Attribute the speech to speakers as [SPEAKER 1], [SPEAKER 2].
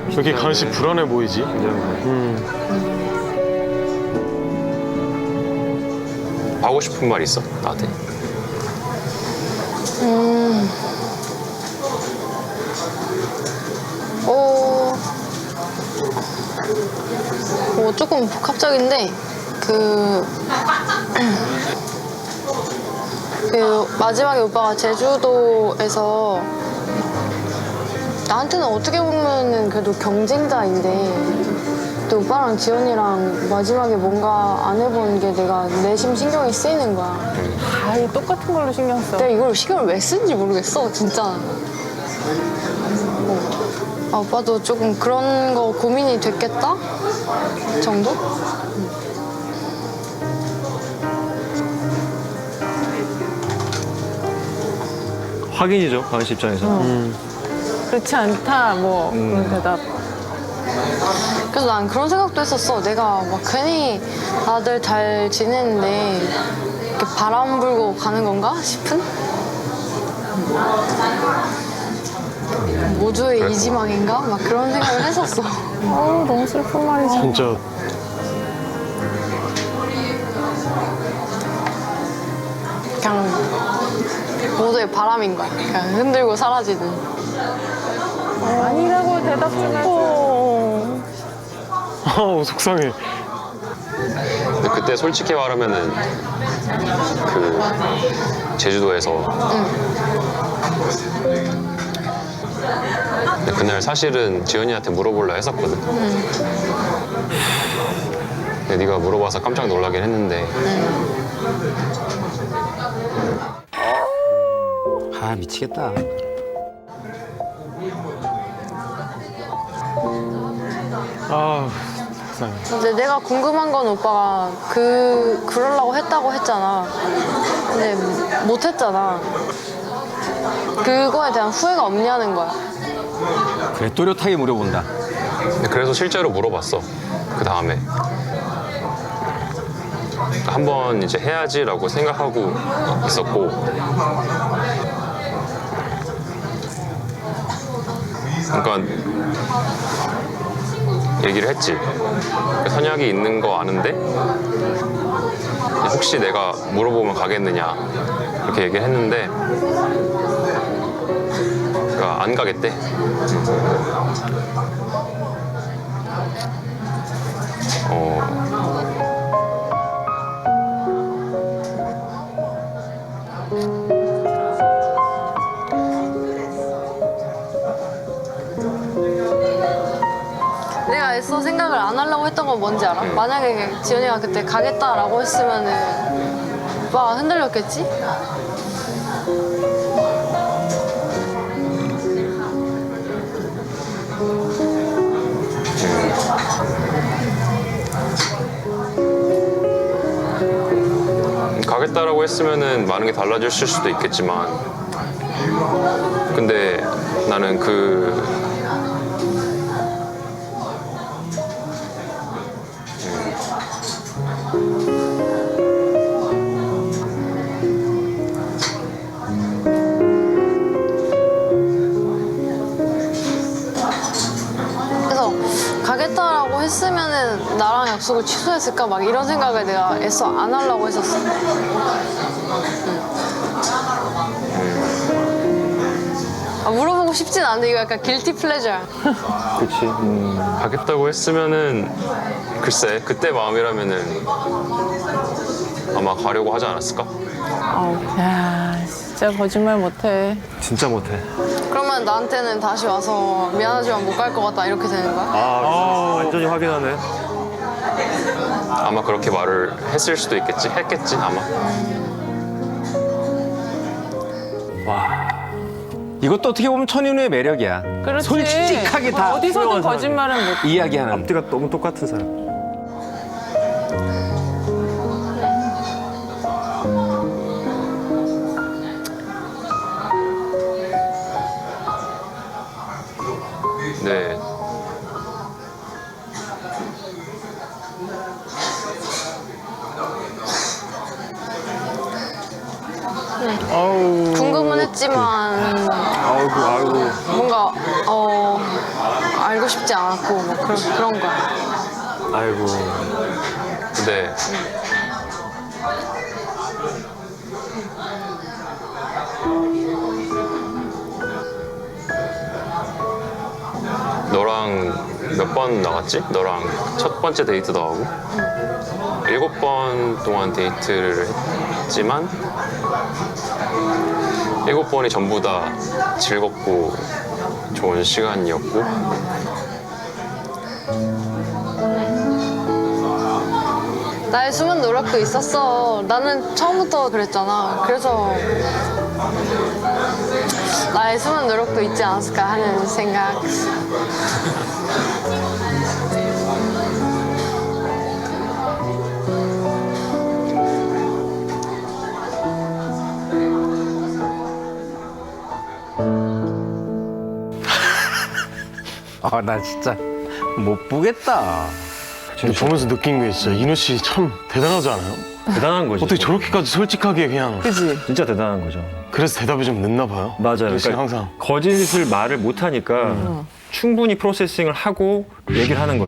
[SPEAKER 1] 왜 이렇게 가은 씨 불안해 보이지?
[SPEAKER 2] 하고 싶은 말 있어? 나한테?
[SPEAKER 3] 조금 복합적인데 마지막에 오빠가 제주도에서 나한테는 어떻게 보면은 그래도 경쟁자인데 또 오빠랑 지연이랑 마지막에 뭔가 안 해본 게 내가 내심 신경이 쓰이는 거야.
[SPEAKER 4] 아이 똑같은 걸로 신경 써.
[SPEAKER 3] 내가 이걸 신경을 왜 쓰는지 모르겠어, 진짜. 오빠도 조금 그런 거 고민이 됐겠다? 정도?
[SPEAKER 5] 확인이죠, 가은 씨 입장에서.
[SPEAKER 4] 그렇지 않다 뭐 그런 대답.
[SPEAKER 3] 그래서 난 그런 생각도 했었어. 내가 막 괜히 다들 잘 지내는데 이렇게 바람 불고 가는 건가 싶은? 모두의 이지망인가? 막 그런 생각을 했었어.
[SPEAKER 4] 너무 슬픈 말이지.
[SPEAKER 1] 진짜
[SPEAKER 3] 그냥 모두의 바람인 거야. 그냥 흔들고 사라지는.
[SPEAKER 4] 아니라고 대답 좀 해줘.
[SPEAKER 1] 아우 속상해.
[SPEAKER 2] 근데 그때 솔직히 말하면은 그 제주도에서 근데 그날 사실은 지연이한테 물어보려 했었거든. 근데 네가 물어봐서 깜짝 놀라긴 했는데
[SPEAKER 5] 아, 미치겠다.
[SPEAKER 1] 아 속상해.
[SPEAKER 3] 근데 내가 궁금한 건 오빠가 그러려고 했다고 했잖아. 근데 못 했잖아. 그거에 대한 후회가 없냐는 거야.
[SPEAKER 5] 그래, 또렷하게 물어본다.
[SPEAKER 2] 근데 그래서 실제로 물어봤어. 그 다음에 한번 이제 해야지라고 생각하고 있었고 그러니까 얘기를 했지. 선약이 있는 거 아는데 혹시 내가 물어보면 가겠느냐 이렇게 얘기를 했는데 그러니까 안 가겠대.
[SPEAKER 3] 내가 애써 생각을 안 하려고 했던 건 뭔지 알아? 만약에 지연이가 그때 가겠다라고 했으면은 오빠가 흔들렸겠지?
[SPEAKER 2] 가겠다라고 했으면은 많은 게 달라졌을 수도 있겠지만 근데 나는
[SPEAKER 3] 그래서 가겠다라고 했으면은 나랑 약속을 취소했을까 막 이런 생각을 내가 애써 안 하려고 했었어. 물어보고 싶진 않은데 이거 약간 길티 플레저야.
[SPEAKER 5] 그치.
[SPEAKER 2] 가겠다고 했으면은 글쎄 그때 마음이라면은 아마 가려고 하지 않았을까?
[SPEAKER 4] 야 진짜 거짓말 못해.
[SPEAKER 5] 진짜 못해.
[SPEAKER 3] 그러면 나한테는 다시 와서 미안하지만 못 갈 것 같다 이렇게 되는 거야?
[SPEAKER 5] 완전히 확인하네.
[SPEAKER 2] 아마 그렇게 말을 했을 수도 있겠지? 했겠지 아마.
[SPEAKER 5] 이것도 어떻게 보면 천인우의 매력이야.
[SPEAKER 4] 그렇지.
[SPEAKER 5] 솔직하게 다
[SPEAKER 4] 어디서든
[SPEAKER 5] 투명한
[SPEAKER 4] 거짓말은 못.
[SPEAKER 5] 이야기하는.
[SPEAKER 6] 앞뒤가 너무 똑같은 사람.
[SPEAKER 2] 네.
[SPEAKER 1] 아우
[SPEAKER 3] 궁금은 했지만
[SPEAKER 6] 아이고.
[SPEAKER 3] 뭔가 알고 싶지 않았고 뭐 그런 거야.
[SPEAKER 5] 아이고.
[SPEAKER 2] 근데 너랑 몇 번 나갔지? 너랑 첫 번째 데이트도 하고 7번 동안 데이트를 했지만 7번이 전부 다 즐겁고 좋은 시간이었고
[SPEAKER 3] 나의 숨은 노력도 있었어. 나는 처음부터 그랬잖아. 그래서 나의 숨은 노력도 있지 않았을까 하는 생각.
[SPEAKER 5] 아, 나 진짜 못 보겠다.
[SPEAKER 1] 근데 보면서 느낀 게 진짜 인호 씨 참 대단하지 않아요?
[SPEAKER 6] 대단한 거지.
[SPEAKER 1] 어떻게 저렇게까지 솔직하게 그냥.
[SPEAKER 4] 그지?
[SPEAKER 6] 진짜 대단한 거죠.
[SPEAKER 1] 그래서 대답이 좀 늦나 봐요.
[SPEAKER 6] 맞아요.
[SPEAKER 1] 인호 씨 항상.
[SPEAKER 6] 거짓을 말을 못 하니까 충분히 프로세싱을 하고 얘기를 하는 거예요.